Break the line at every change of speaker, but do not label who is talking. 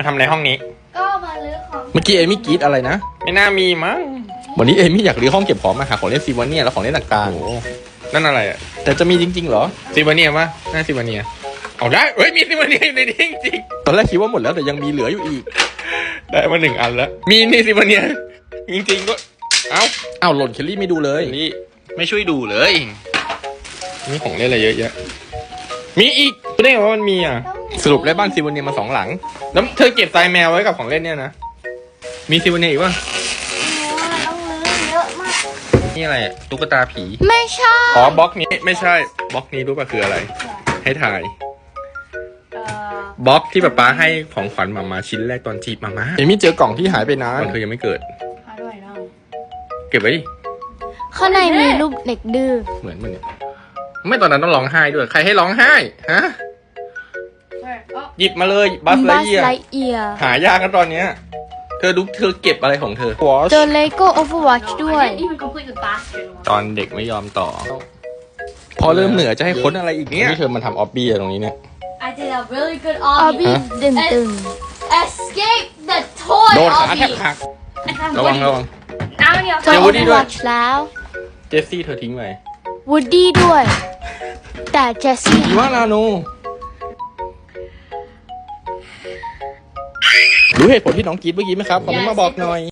มาทำอะไรห้องนี้
ก็มาลื้อของ
เมื่อกี้เอมี่กรีดอะไรนะ
ไม่น่ามีมั้ง
วันนี้เอมี่อยากรื้อห้องเก็บของมาหาของเล่นซีวาเนียและของเล่นต่าง
โอ้โหนั่นอะไรอ่ะ
ๆแต่จะมีจริงๆเหรอ
ซิวาเนียปะน่าซิวาเนียเอาได้เฮ้ยมีซิวาเนียอยู่ในนี้จริง
ตอนแรกคิดว่าหมดแล้วแต่ยังมีเหลืออยู่อีก
ๆได้มา1 อันแล้วมีนี่ซิวาเนียจริงๆก็เอ้า
อ้าวหล่นเคลลี่ไม่ดูเลย
นี่ไม่ช่วยดูเลยมีของเล่นอะไรเยอะแยะมีอีกไม่ได้ไงว่ามันมีอ่ะ
สรุปได้บ้านซีวาเนียมา2 หลัง
แล้วเธอเก็บทรายแมวไว้กับของเล่นเนี่ยนะมีซิวาเนียอีกวะ
ต้องลื้อเยอะมาก
นี่อะไรอะตุ๊กตาผี
ไม่ใช่
อ๋อบล็อกนี้ไม่ใช่บล็อกนี้รู้ป่ะคืออะไร ให้ถ่ายบล็อกที่ป๊าให้ของขวัญหมาชิ้นแรกตอนจีบมา
เอมี่เจอกล่องที่หายไปนาน
ตอนเธอยังไม่เกิด
หาด้วยเนาะ
เก็บไว้ดิ
ข้างในมีรูปเด็กดื้อ
เหมือนมันเนี่ยไม่ตอนนั้นต้องร้องไห้ด้วยใครให้ร้องไห้ฮะหยิบมาเลยบัสไลเอีย
ไลเอีย
หายากกันตอนเนี้ยเธอเก็บอะไรของเธอ
เจอเลโก้โอเวอร์วอชด้วย
even complete the basket.
ตอนเด็กไม่ยอมต่อ
พอเริ่มเหนือจะให้ค้นอะไรอีกเนี่ยนี่เธอมาทำออบบี้อะตรงนี้เนี่ย
I did a really good
ออ
obby.
บี้ดึงตึง
Escape the toy
โดนขาแทบ
obby.
หัก
And have
ระวัง
Woody.
ระวัง
Now when you
เจอ
เจอ
โอ
Woody
เวอร์
ด้
ว
วย
อชแล้ว
เจสซี่เธอทิ้งไว้
วูดดี้ด้วย แต่เจสซี่
อีวานาโนรู้เหตุผลที่น้องกรีดเมื่อกี้ไหมครับคอมเมนต์มาบอกหน่อย